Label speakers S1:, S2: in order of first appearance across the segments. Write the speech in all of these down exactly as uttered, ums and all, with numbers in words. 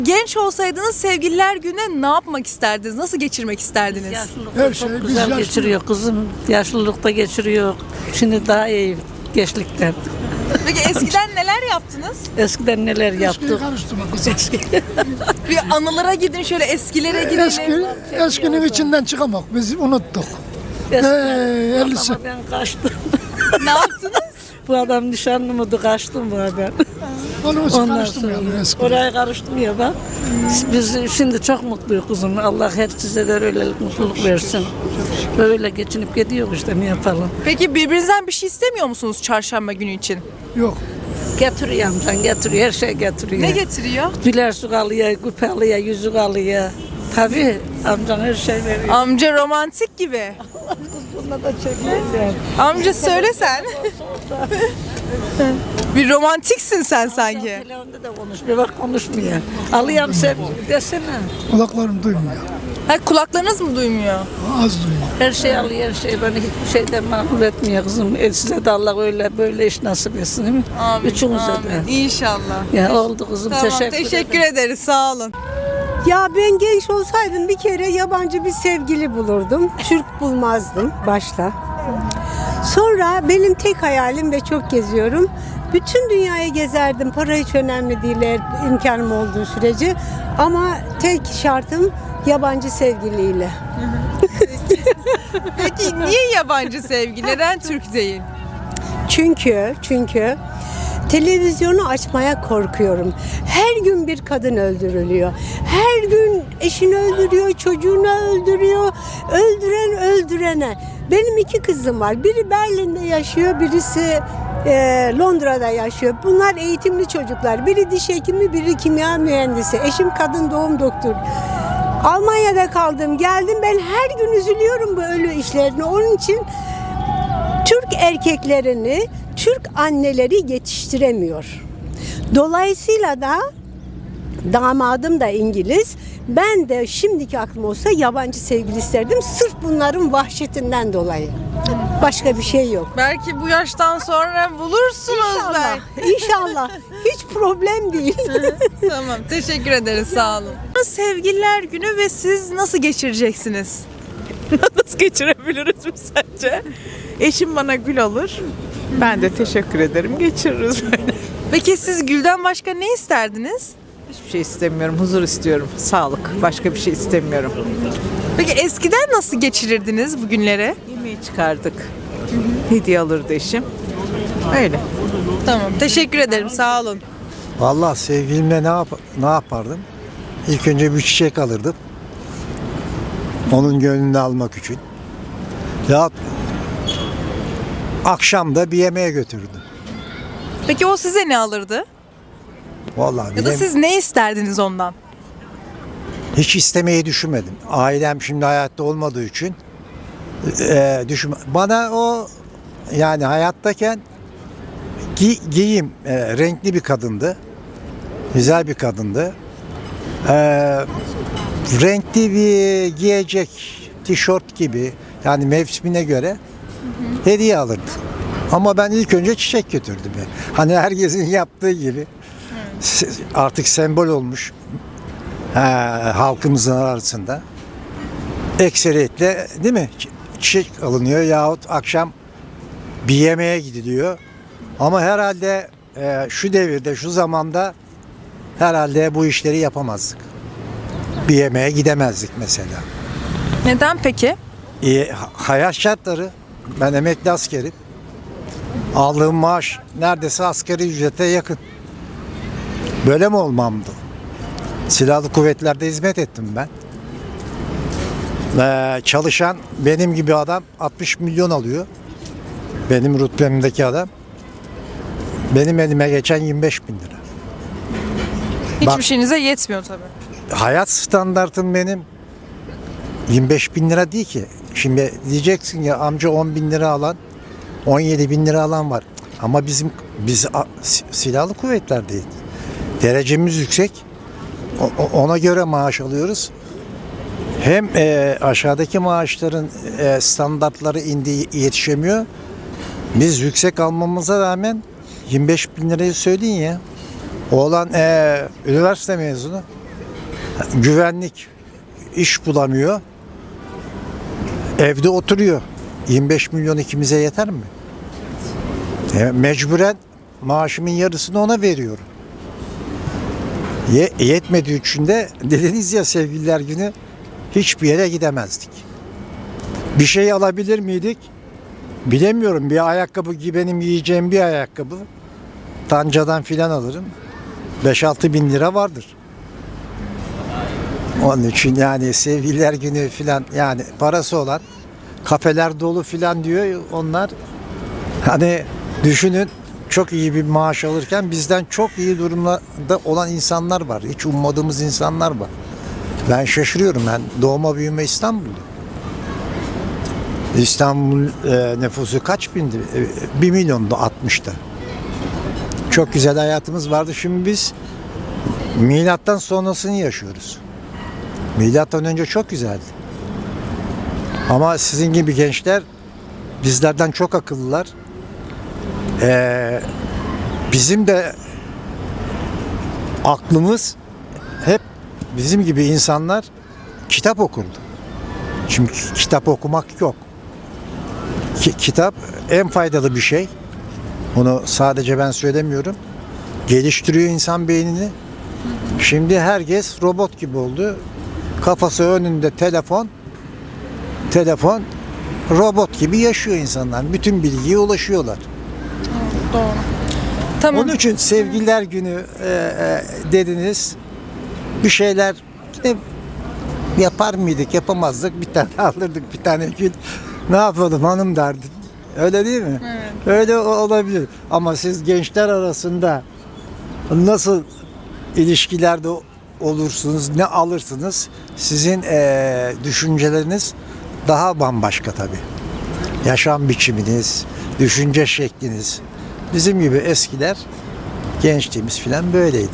S1: Genç olsaydınız sevgililer gününe ne yapmak isterdiniz? Nasıl geçirmek isterdiniz?
S2: Yaşlılıkta
S3: Her
S2: çok
S3: şey biz
S2: güzel
S3: yaşlı-
S2: geçiriyor kızım. Yaşlılıkta geçiriyor. Şimdi daha iyi gençlikten.
S1: Peki eskiden neler yaptınız?
S2: Eskiden neler
S3: Eskiyi
S2: yaptık.
S3: karıştırma kızım.
S1: Bir anılara gidin, şöyle eskilere gidelim.
S3: Eski, eskinin içinden çıkamak. Biz unuttuk.
S2: Eskiden
S3: Ee, elli sene.
S2: ama ben kaçtım.
S1: Ne yaptınız?
S2: Bu adam nişanlı mıydı, kaçtım bu adam.
S3: Onun için
S2: Ondan
S3: karıştırmayalım
S2: sonra
S3: eski.
S2: oraya karıştım ya bak. Biz şimdi çok mutluyuz kızım. Allah her size de öyle mutluluk versin. Böyle geçinip gidiyor işte, ne yapalım.
S1: Peki birbirinizden bir şey istemiyor musunuz çarşamba günü için?
S3: Yok.
S2: Getiriyor amcan, getiriyor, her şey getiriyor.
S1: Ne getiriyor?
S2: Bilersuk alıyor, küpe alıyor, yüzük alıyor. Tabii amcan her şey veriyor.
S1: Amca romantik gibi.
S2: Bunda da çekmeyeceğim.
S1: Amca söyle sen. Bir romantiksin sen sanki.
S2: Telefonda da konuşmuyor, bak konuşmuyor. Alıyorum sevgili desene.
S3: Kulaklarım duymuyor.
S1: Ha, kulaklarınız mı duymuyor?
S3: Az duyuyor.
S2: Her şey alıyor, her şey beni hiçbir şeyden mahrum etmiyor kızım. E, size de Allah öyle böyle iş nasip etsin değil mi?
S1: Amin.
S2: Üçümüze de.
S1: amin. İnşallah.
S2: Ya oldu kızım,
S1: Tamam,
S2: teşekkür,
S1: teşekkür,
S2: ederim.
S1: ederiz. Sağ olun.
S4: Ya ben genç olsaydım bir kere yabancı bir sevgili bulurdum. Türk bulmazdım başta. Sonra benim tek hayalim ve çok geziyorum. Bütün dünyayı gezerdim. Para hiç önemli değil eğer imkanım olduğu sürece. Ama tek şartım yabancı sevgiliyle.
S1: Peki niye yabancı sevgi? Neden Türk değil?
S4: Çünkü çünkü televizyonu açmaya korkuyorum. Her gün bir kadın öldürülüyor. Her gün eşini öldürüyor, çocuğunu öldürüyor. Öldüren öldürene. Benim iki kızım var. Biri Berlin'de yaşıyor, birisi e, Londra'da yaşıyor. Bunlar eğitimli çocuklar. Biri diş hekimi, biri kimya mühendisi. Eşim kadın doğum doktoru. Almanya'da kaldım, geldim. Ben her gün üzülüyorum bu ölü işlerine. Onun için Türk erkeklerini Türk anneleri yetiştiremiyor. Dolayısıyla da damadım da İngiliz. Ben de şimdiki aklım olsa yabancı sevgili isterdim. Sırf bunların vahşetinden dolayı. Başka bir şey yok.
S1: Belki bu yaştan sonra bulursunuz
S4: İnşallah.
S1: belki.
S4: İnşallah. Hiç problem değil.
S1: Tamam, teşekkür ederiz. Sağ olun. Sevgililer günü ve siz nasıl geçireceksiniz?
S5: Nasıl geçirebiliriz mi sence? Eşim bana gül alır. Ben de teşekkür ederim. Geçiririz böyle.
S1: Peki siz gülden başka ne isterdiniz?
S5: Hiçbir şey istemiyorum. Huzur istiyorum. Sağlık. Başka bir şey istemiyorum.
S1: Peki eskiden nasıl geçirirdiniz bu günleri?
S5: Yemeği çıkardık. Hediye alırdı eşim. Öyle.
S1: Tamam, teşekkür ederim. Sağ olun.
S6: Vallahi sevgilimle ne yap ne yapardım? İlk önce bir çiçek alırdım. Onun gönlünü almak için. Ya akşam da bir yemeğe götürdüm.
S1: Peki o size ne alırdı?
S6: Vallahi
S1: Ya da
S6: bilem-
S1: siz ne isterdiniz ondan?
S6: hiç istemeyi düşünmedim. Ailem şimdi hayatta olmadığı için e, düşün. Bana o yani hayattayken gi- giyim e, renkli bir kadındı. Güzel bir kadındı. E, renkli bir giyecek tişört gibi yani mevsimine göre hediye alırdı. Ama ben ilk önce çiçek götürdüm. Yani. Hani herkesin yaptığı gibi se- artık sembol olmuş e, halkımızın arasında. Ekseriyetle değil mi? Çi- Çiçek alınıyor yahut akşam bir yemeğe gidiliyor. Ama herhalde e, şu devirde, şu zamanda herhalde bu işleri yapamazdık. Bir yemeğe gidemezdik mesela.
S1: Neden peki?
S6: E, ha- hayat şartları, ben emekli askerim. Aldığım maaş neredeyse asgari ücrete yakın. Böyle mi olmamdı? Silahlı kuvvetlerde hizmet ettim ben. Ee, çalışan benim gibi adam altmış milyon alıyor. Benim rütbemdeki adam. Benim elime geçen yirmi beş bin lira.
S1: Hiçbir
S6: Bak-
S1: şeyinize yetmiyor tabii.
S6: Hayat standartım benim yirmi beş bin lira değil ki. Şimdi diyeceksin ya amca on bin lira alan, on yedi bin lira alan var. Ama bizim biz a- si- silahlı kuvvetlerdeyiz. Derecemiz yüksek. O- o- ona göre maaş alıyoruz. Hem e, aşağıdaki maaşların e, standartları indiği yetişemiyor. Biz yüksek almamıza rağmen yirmi beş bin lirayı söyleyin ya. Oğlan e, üniversite mezunu. Güvenlik iş bulamıyor. Evde oturuyor. yirmi beş milyon ikimize yeter mi? E, mecburen maaşımın yarısını ona veriyorum. Ye, yetmediği için de dediniz ya sevgililer günü hiçbir yere gidemezdik. Bir şey alabilir miydik? Bilemiyorum. Bir ayakkabı ki benim yiyeceğim bir ayakkabı. Tancadan filan alırım. beş altı bin lira vardır. Onun için yani sevgililer günü filan yani parası olan kafeler dolu filan diyor onlar. Hani düşünün çok iyi bir maaş alırken bizden çok iyi durumda olan insanlar var. Hiç ummadığımız insanlar var. Ben şaşırıyorum. Ben doğma büyüme İstanbul'da. İstanbul e, nüfusu kaç bindi? E, bir milyondu altmışta. Çok güzel hayatımız vardı. Şimdi biz milattan sonrasını yaşıyoruz. Milattan önce çok güzeldi. Ama sizin gibi gençler bizlerden çok akıllılar. Ee, bizim de aklımız hep bizim gibi insanlar kitap okurdu. Şimdi kitap okumak yok. Ki, kitap en faydalı bir şey. Bunu sadece ben söylemiyorum. Geliştiriyor insan beynini. Şimdi herkes robot gibi oldu. Kafası önünde telefon. Telefon robot gibi yaşıyor insanlar. Bütün bilgiye ulaşıyorlar.
S1: Doğru. Tamam.
S6: Onun için sevgililer günü e, e, dediniz. Bir şeyler yine yapar mıydık, yapamazdık. Bir tane alırdık, bir tane gül. Ne yapalım hanım derdim. Öyle değil mi?
S1: Evet.
S6: Öyle o- olabilir. Ama siz gençler arasında nasıl ilişkilerde olursunuz, ne alırsınız? Sizin e, düşünceleriniz daha bambaşka tabii. Yaşam biçiminiz, düşünce şekliniz. Bizim gibi eskiler, gençliğimiz filan böyleydi.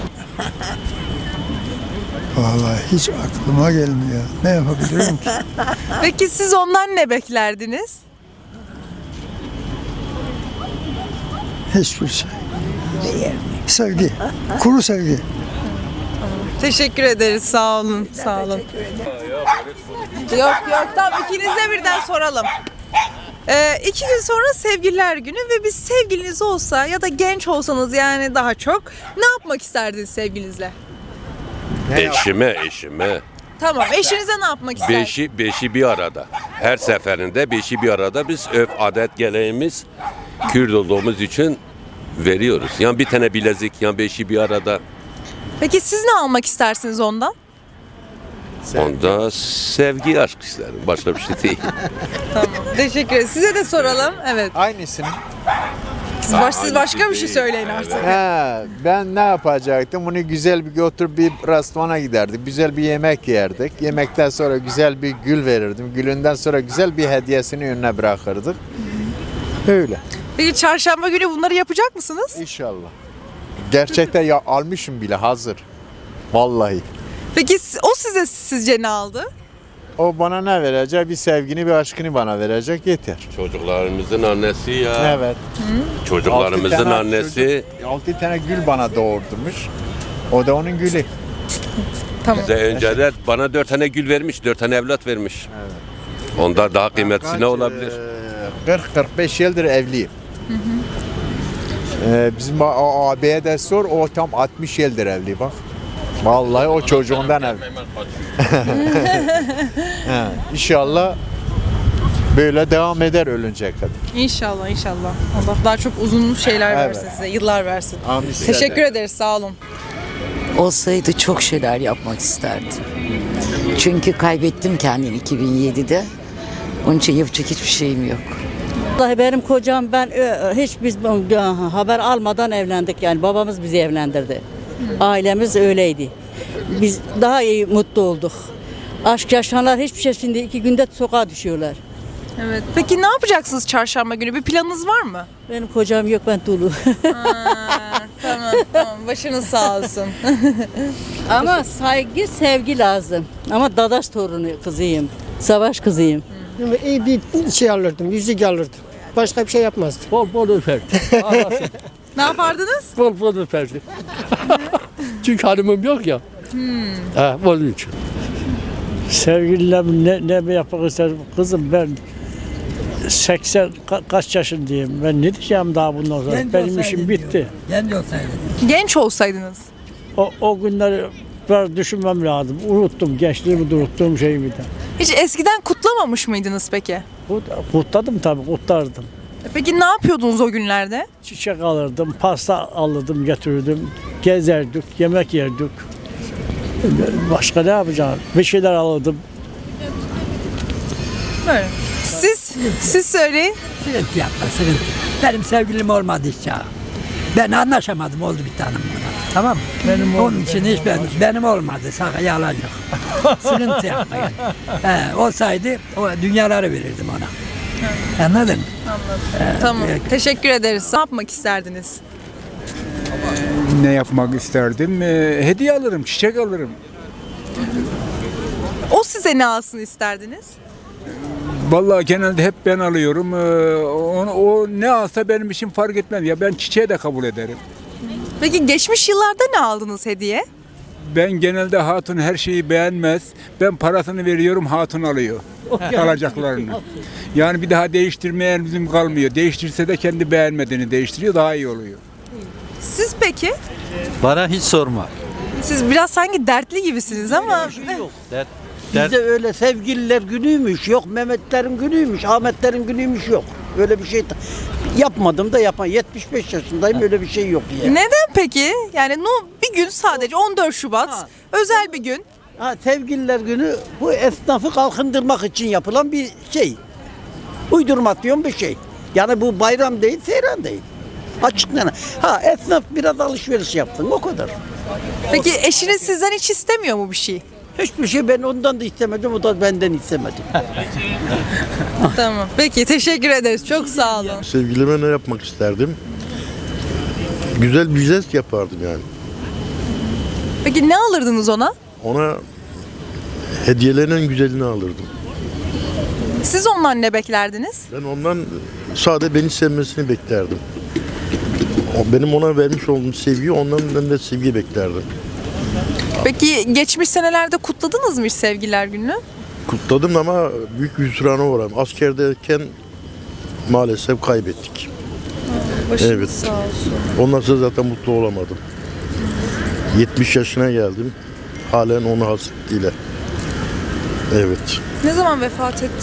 S3: Vallahi hiç aklıma gelmiyor. Ne yapabilirim ki?
S1: Peki siz ondan ne beklerdiniz?
S3: Hiçbir şey. Sevgi. Kuru sevgi.
S1: Teşekkür ederiz. Sağ olun. Sağ olun. Yok yok tamam ikinize birden soralım. Ee, iki gün sonra sevgililer günü ve bir sevgiliniz olsa ya da genç olsanız yani daha çok ne yapmak isterdiniz sevgilinizle?
S7: Eşime, eşime.
S1: Tamam eşinize ne yapmak isterdiniz?
S7: Beşi, beşi bir arada. Her seferinde beşi bir arada biz örf, adet, geleneğimiz Kürt olduğumuz için veriyoruz. Yani bir tane bilezik, yani beşi bir arada.
S1: Peki siz ne almak istersiniz ondan?
S7: Onda sevgi, aşk isterim. Başka bir şey değil.
S1: Tamam. Teşekkür ederim. Size de soralım. Evet.
S8: Aynısını.
S1: Siz, baş, siz başka bir şey söyleyin artık.
S8: He, ben ne yapacaktım? Bunu güzel bir götür bir restorana giderdik. Güzel bir yemek yerdik. Yemekten sonra güzel bir gül verirdim. Gülünden sonra güzel bir hediyesini önüne bırakırdık. Öyle.
S1: Peki çarşamba günü bunları yapacak mısınız?
S8: İnşallah. Gerçekten ya almışım bile hazır. Vallahi.
S1: Peki si- o size sizce ne aldı?
S8: O bana ne verecek? Bir sevgini, bir aşkını bana verecek yeter.
S7: Çocuklarımızın annesi ya.
S8: Evet.
S7: Çocuklarımızın
S8: Altı tane
S7: annesi.
S8: çocuk, altı tane gül bana doğurdurmuş. O da onun gülü.
S1: Tamam.
S7: Bize önceden bana dört tane gül vermiş, dört tane evlat vermiş. Onda daha kıymetlisi ne olabilir?
S8: kırk kırk beş yıldır evliyim. Ee, bizim a- a- abiye de sor, o tam altmış yıldır evli bak. Vallahi o çocuğundan evli. He, İnşallah böyle devam eder ölünceye kadar.
S1: İnşallah inşallah. Allah daha çok uzun şeyler
S8: Evet.
S1: versin size, yıllar versin.
S8: Amin.
S1: Teşekkür ederiz, sağ olun.
S9: Olsaydı çok şeyler yapmak isterdim. Çünkü kaybettim kendimi iki bin yedide. Onun için yapacak hiçbir şeyim yok.
S2: Vallahi benim kocam ben ö, hiç biz bu- haber almadan evlendik yani babamız bizi evlendirdi. Ailemiz öyleydi. Biz daha iyi mutlu olduk. Aşk yaşayanlar hiçbir şey şimdi iki günde sokağa düşüyorlar.
S1: Evet. Peki ne yapacaksınız çarşamba günü? Bir planınız var mı?
S2: Benim kocam yok ben dulu.
S1: Aa, tamam tamam başınız sağ olsun.
S2: Ama saygı sevgi lazım. Ama dadaş torunu kızıyım. Savaş kızıyım.
S10: İyi bir şey alırdım, yüzük alırdım. Başka bir şey yapmazdım.
S11: Bol bol öperdim.
S1: Ne yapardınız?
S11: Bol bol öperdim. Çünkü hanımım yok ya.
S10: Ha, onun için.
S11: Sevgililer ne, ne mi yapmak ister? Kızım ben seksen ka- kaç yaşındayım. Ben ne diyeceğim daha bundan sonra? Benim işim bitti.
S1: Genç olsaydınız.
S11: O, o günleri biraz düşünmem lazım. Unuttum. Gençliğimi de unuttuğum şeyimi de.
S1: Hiç eskiden kutlamamış mıydınız peki?
S11: Kut- Kutladım tabii, kutlardım.
S1: Peki ne yapıyordunuz o günlerde?
S11: Çiçek alırdım, pasta alırdım, götürürdüm. Gezerdik, yemek yerdik. Başka ne yapacağım? Bir şeyler alırdım.
S1: Böyle. Siz, siz söyleyin.
S10: Sıkıntı yapma, sıkıntı. Benim sevgilim olmadı hiç ya. Ben anlaşamadım, oldu bir tanem buna. Tamam mı? Benim Onun için hiç ben, benim olmadı, sakın yalan yok. Sıkıntı yapma yani. He, olsaydı o dünyaları verirdim ona. Anladın mı?
S1: Tamam. Teşekkür ederiz. Ne yapmak isterdiniz?
S3: Ne yapmak isterdim? Ee, hediye alırım, çiçek alırım.
S1: O size ne alsın isterdiniz?
S3: Vallahi genelde hep ben alıyorum. Ee, o, o ne alsa benim için fark etmez. Ya ben çiçeği de kabul ederim.
S1: Peki geçmiş yıllarda ne aldınız hediye?
S3: Ben genelde hatun her şeyi beğenmez. Ben parasını veriyorum, hatun alıyor. Alacaklarını. Yani bir daha değiştirmeye bizim kalmıyor. Değiştirse de kendi beğenmediğini değiştiriyor, daha iyi oluyor.
S1: Siz peki?
S12: Bana hiç sorma.
S1: Siz biraz sanki dertli gibisiniz ama
S12: Dert,
S10: Bizde öyle sevgililer günüymüş, yok Mehmetlerin günüymüş, Ahmetlerin günüymüş yok. Öyle bir şey ta- yapmadım da yapan yetmiş beş yaşındayım, öyle bir şey yok ya.
S1: neden peki? Yani no, bir gün sadece on dört Şubat
S10: Ha.
S1: özel bir gün.
S10: Ha, sevgililer günü bu esnafı kalkındırmak için yapılan bir şey. Uydurmasyon bir şey. Yani bu bayram değil, seyran değil. Açıkçası. Ha, esnaf biraz alışveriş yapsın, o kadar.
S1: Peki eşiniz sizden hiç istemiyor mu bir şey?
S10: Hiçbir şey ben ondan da istemedim, o da benden istemedi.
S1: Tamam. Peki teşekkür ederiz. Çok sağ olun.
S12: Sevgilime ne yapmak isterdim? Güzel bir jest yapardım yani.
S1: Peki ne alırdınız ona?
S12: Ona hediyelerin en güzelini alırdım.
S1: Siz ondan ne beklerdiniz?
S12: Ben ondan sadece beni sevmesini beklerdim. O benim ona vermiş olduğum sevgiyi, ondan ben de sevgi beklerdim.
S1: Peki geçmiş senelerde kutladınız mı hiç sevgililer gününü?
S12: Kutladım ama büyük bir hüsrana uğradım. Askerdeyken maalesef kaybettik.
S1: Başınız
S12: Evet.
S1: sağ olsun.
S12: Ondan sonra zaten mutlu olamadım. yetmiş yaşına geldim. Halen onu hasretiyle. Evet.
S1: Ne zaman vefat etti?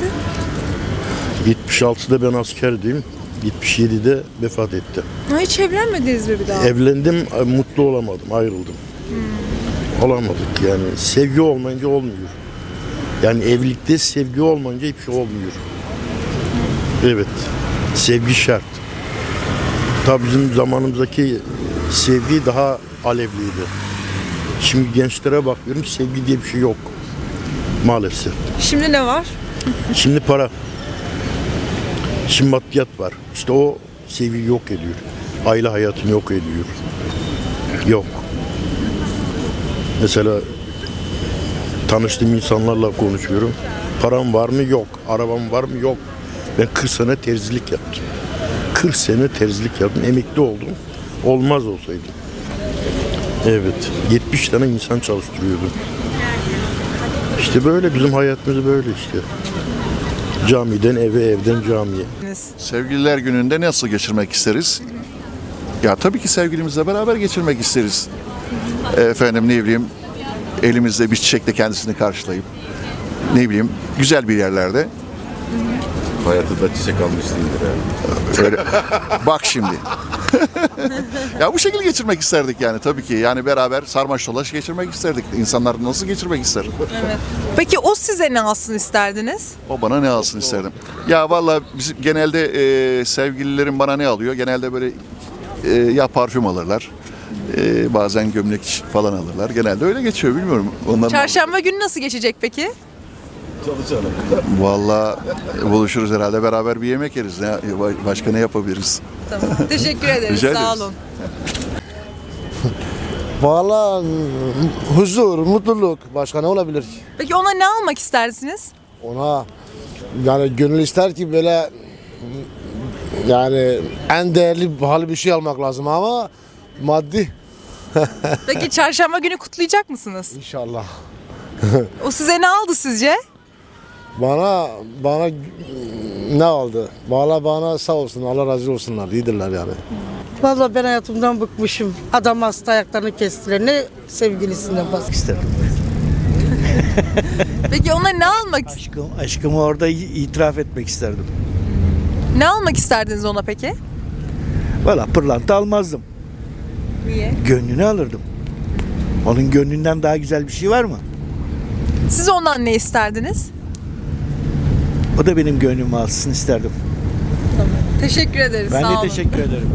S12: yetmiş altıda ben askerdeyim. yetmiş yedide vefat etti.
S1: Ha, hiç evlenmediniz mi bir daha?
S12: Evlendim, mutlu olamadım, ayrıldım. Olamadık yani. Sevgi olmayınca olmuyor. Yani evlilikte sevgi olmayınca hiçbir şey olmuyor. Evet, sevgi şart. Tabii bizim zamanımızdaki sevgi daha alevliydi. Şimdi gençlere bakıyorum, sevgi diye bir şey yok. Maalesef.
S1: Şimdi ne var?
S12: Şimdi para. Şimdi maddiyat var. İşte o sevgiyi yok ediyor. Aile hayatını yok ediyor. Yok. Mesela tanıştığım insanlarla konuşuyorum. Param var mı? Yok. Arabam var mı? Yok. Ben kırk sene terzilik yaptım. kırk sene terzilik yaptım. Emekli oldum. Olmaz olsaydı. Evet. yetmiş tane insan çalıştırıyordum. İşte böyle bizim hayatımız böyle işte. Camiden eve, evden camiye.
S13: Sevgililer gününde nasıl geçirmek isteriz? Ya tabii ki sevgilimizle beraber geçirmek isteriz. Efendim ne bileyim elimizde bir çiçekle kendisini karşılayıp ne bileyim güzel bir yerlerde.
S7: Hayatında çiçek almışsındır yani.
S13: Öyle. Bak şimdi. Ya bu şekilde geçirmek isterdik yani tabii ki. Yani beraber sarmaş dolaş geçirmek isterdik. İnsanlar nasıl geçirmek ister?
S1: Evet. Peki o size ne alsın isterdiniz?
S13: O bana ne alsın isterdim. Ya vallahi bizim genelde e, sevgililerim bana ne alıyor? Genelde böyle e, ya parfüm alırlar. E, bazen gömlek falan alırlar. Genelde öyle geçiyor bilmiyorum. Onların
S1: Çarşamba günü nasıl geçecek peki?
S13: Vallahi buluşuruz herhalde beraber bir yemek yeriz. Ne, başka ne yapabiliriz?
S1: Tamam. Teşekkür ederiz.
S13: Rica
S1: Sağ
S13: ederiz.
S1: olun.
S10: Vallahi huzur, mutluluk. Başka ne olabilir ki?
S1: Peki ona ne almak istersiniz?
S10: Ona yani gönül ister ki böyle yani en değerli pahalı bir şey almak lazım ama maddi
S1: Peki çarşamba günü kutlayacak mısınız?
S14: İnşallah.
S1: O size ne aldı sizce?
S14: Bana bana ne aldı? Valla bana sağ olsun, Allah razı olsunlar. İyidirler yani.
S15: Vallahi ben hayatımdan bıkmışım. Adam hasta, ayaklarını kestiler. Ne sevgilisinden bahsediyor.
S16: İsterim.
S1: Peki ona ne almak
S16: Aşkım, aşkımı orada itiraf etmek isterdim.
S1: ne almak isterdiniz ona peki?
S16: Valla pırlanta almazdım.
S1: Niye?
S16: Gönlünü alırdım. Onun gönlünden daha güzel bir şey var mı?
S1: Siz ondan ne isterdiniz?
S16: O da benim gönlümü alsın isterdim.
S1: Teşekkür ederiz.
S16: Ben
S1: sağ
S16: de
S1: olun.
S16: teşekkür ederim.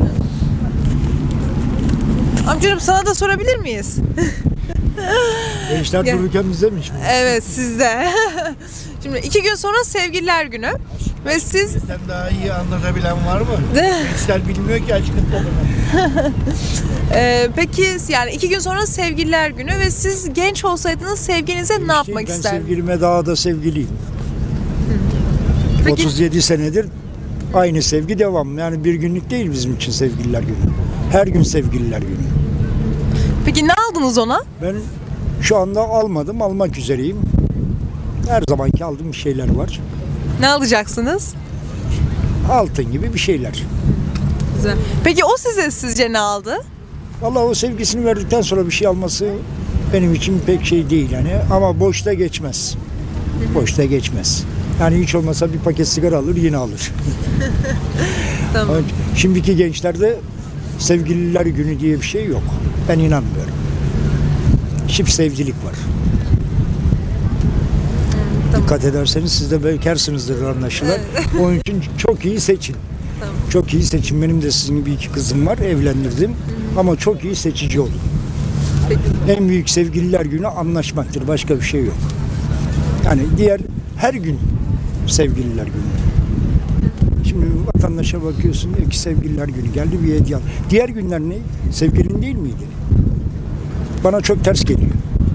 S1: Amcacığım sana da sorabilir miyiz?
S11: Gençler
S1: Gel.
S11: dururken bize mi?
S1: Evet sizde. Şimdi iki gün sonra sevgililer günü ve siz
S16: Sen daha iyi anlatabilen var mı? Gençler bilmiyor ki aşkın tadını.
S1: e, peki yani iki gün sonra sevgililer günü ve siz genç olsaydınız sevgilinize ne yapmak
S11: Ben
S1: isterdiniz?
S11: sevgilime daha da sevgiliyim.
S1: Peki-
S11: otuz yedi senedir aynı sevgi devam. Yani bir günlük değil bizim için sevgililer günü. Her gün sevgililer günü.
S1: Peki ne aldınız ona?
S11: Ben şu anda almadım, almak üzereyim. Her zamanki aldığım şeyler var.
S1: Ne alacaksınız?
S11: Altın gibi bir şeyler.
S1: Güzel. Peki o size sizce ne aldı?
S11: Vallahi o sevgisini verdikten sonra bir şey alması benim için pek şey değil yani. Ama boşta geçmez. Boşta geçmez. Yani hiç olmasa bir paket sigara alır yine alır.
S1: Tamam.
S11: Ama şimdiki gençlerde sevgililer günü diye bir şey yok. Ben inanmıyorum. Çift sevcilik var. Dikkat ederseniz siz de bekarsınızdır anlaşılan. Onun için çok iyi seçin. Çok iyi seçin. Benim de sizin gibi iki kızım var. Evlendirdim. Ama çok iyi seçici olun. En büyük sevgililer günü anlaşmaktır. Başka bir şey yok. Yani diğer her gün sevgililer günü. Şimdi vatandaşa bakıyorsun diyor ki sevgililer günü geldi bir hediye al. Diğer günler ne? Sevgilin değil miydi? Bana çok ters geliyor.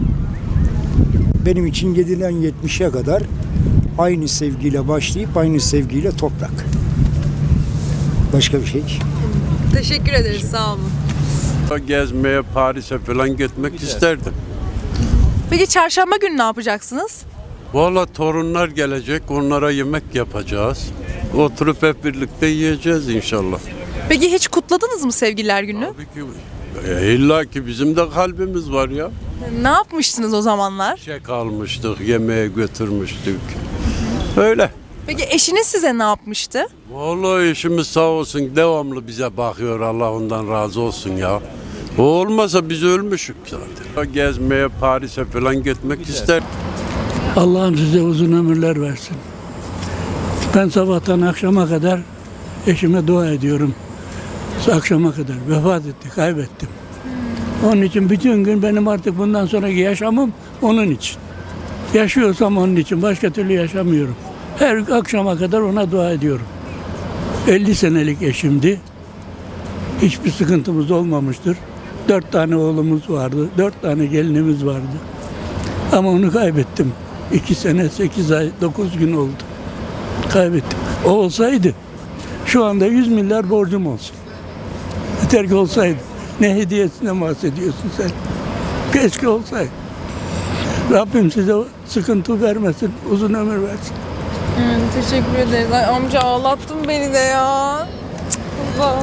S11: Benim için yediden yetmişe kadar aynı sevgiyle başlayıp aynı sevgiyle toprak. Başka bir şey.
S1: Teşekkür ederiz. Sağ olun.
S17: Gezmeye, Paris'e falan gitmek isterdim.
S1: Peki çarşamba günü ne yapacaksınız?
S17: Valla torunlar gelecek, onlara yemek yapacağız. Oturup hep birlikte yiyeceğiz inşallah.
S1: Peki hiç kutladınız mı sevgililer günü?
S17: Tabii ki. E, illa ki bizim de kalbimiz var ya.
S1: Ne yapmıştınız o zamanlar?
S17: Çek almıştık, yemeğe götürmüştük. Öyle.
S1: Peki eşiniz size ne yapmıştı?
S17: Vallahi eşimiz sağ olsun devamlı bize bakıyor. Allah ondan razı olsun ya. O olmasa biz ölmüşük zaten. Gezmeye, Paris'e falan gitmek ister.
S10: Allah'ım size uzun ömürler versin. Ben sabahtan akşama kadar eşime dua ediyorum. Akşama kadar vefat etti, kaybettim. Onun için bütün gün benim artık bundan sonraki yaşamım onun için. Yaşıyorsam onun için, başka türlü yaşamıyorum. Her akşama kadar ona dua ediyorum. elli senelik eşimdi. Hiçbir sıkıntımız olmamıştır. Dört tane oğlumuz vardı, dört tane gelinimiz vardı. Ama onu kaybettim. İki sene, sekiz ay, dokuz gün oldu. Kaybettim. O olsaydı şu anda yüz milyar borcum olsun. Yeter ki olsaydı. Ne hediyesinden bahsediyorsun sen? Keşke olsaydı. Rabbim size sıkıntı vermesin, uzun ömür versin.
S1: Hmm, teşekkür ederiz. Ay, amca ağlattın beni de ya. Allah Allah.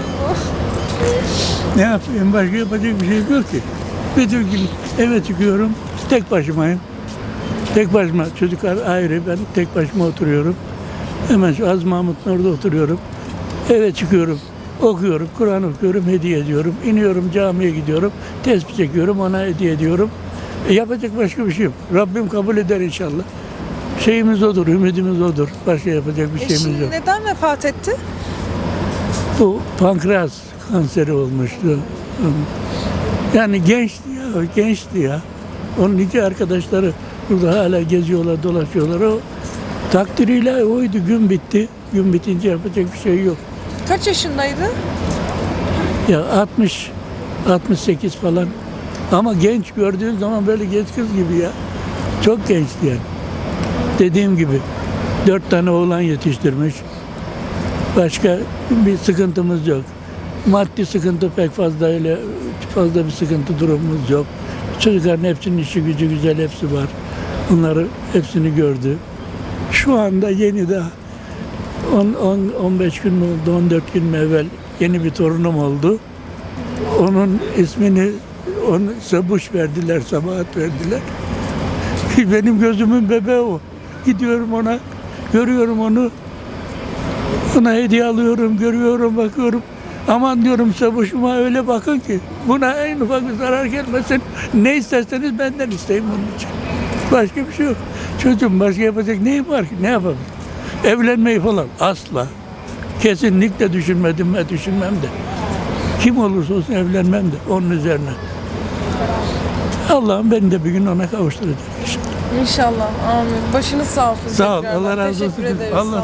S10: Ne yapayım? Başka yapacak bir şey yok ki. Bütün gün eve çıkıyorum, tek başımayım. Tek başıma, çocuklar ayrı, ben tek başıma oturuyorum. Hemen şu Az Mahmut'un orada oturuyorum. Eve çıkıyorum, okuyorum, Kur'an okuyorum, hediye ediyorum. İniyorum, camiye gidiyorum, tesbih çekiyorum, ona hediye ediyorum. E, yapacak başka bir şey yok. Rabbim kabul eder inşallah. Şeyimiz odur, ümidimiz odur. Başka yapacak bir şeyimiz
S1: Eşin
S10: yok.
S1: neden vefat etti?
S10: Bu pankreas kanseri olmuştu. Yani gençti ya, gençti ya. Onun iki arkadaşları burada hala geziyorlar, dolaşıyorlar. O takdiriyle oydu, gün bitti. Gün bitince yapacak bir şey yok.
S1: Kaç yaşındaydı?
S10: Ya altmış, altmış sekiz falan. Ama genç gördüğün zaman böyle genç kız gibi ya. Çok gençti yani. Dediğim gibi dört tane oğlan yetiştirmiş. Başka bir sıkıntımız yok. Maddi sıkıntı pek fazla öyle
S18: fazla bir sıkıntı durumumuz yok. Çocukların hepsinin işi gücü güzel, hepsi var. Bunları hepsini gördü. Şu anda yeni de on on beş gün mü oldu, on dört gün mü evvel yeni bir torunum oldu. Onun ismini onu Sabuş verdiler, Sabahat verdiler. Benim gözümün bebeği o. Gidiyorum ona, görüyorum onu. Ona hediye alıyorum, görüyorum, bakıyorum. Aman diyorum Sabuş'uma öyle bakın ki buna en ufak bir zarar gelmesin. Ne isterseniz benden isteyin bunun için. Başka bir şey yok. Çocuğum başka yapacak neyim var ki? Ne yapalım? Evlenmeyi falan asla. Kesinlikle düşünmedim ve düşünmem de. Kim olursa olsun evlenmem de onun üzerine. Allah'ım beni de bir gün ona kavuşturacak.
S1: İnşallah. Amin. Başınız sağ olsun.
S18: Sağ ol.
S1: tekrardan.
S18: Allah razı olsun.
S1: Teşekkür ederiz.
S18: Allah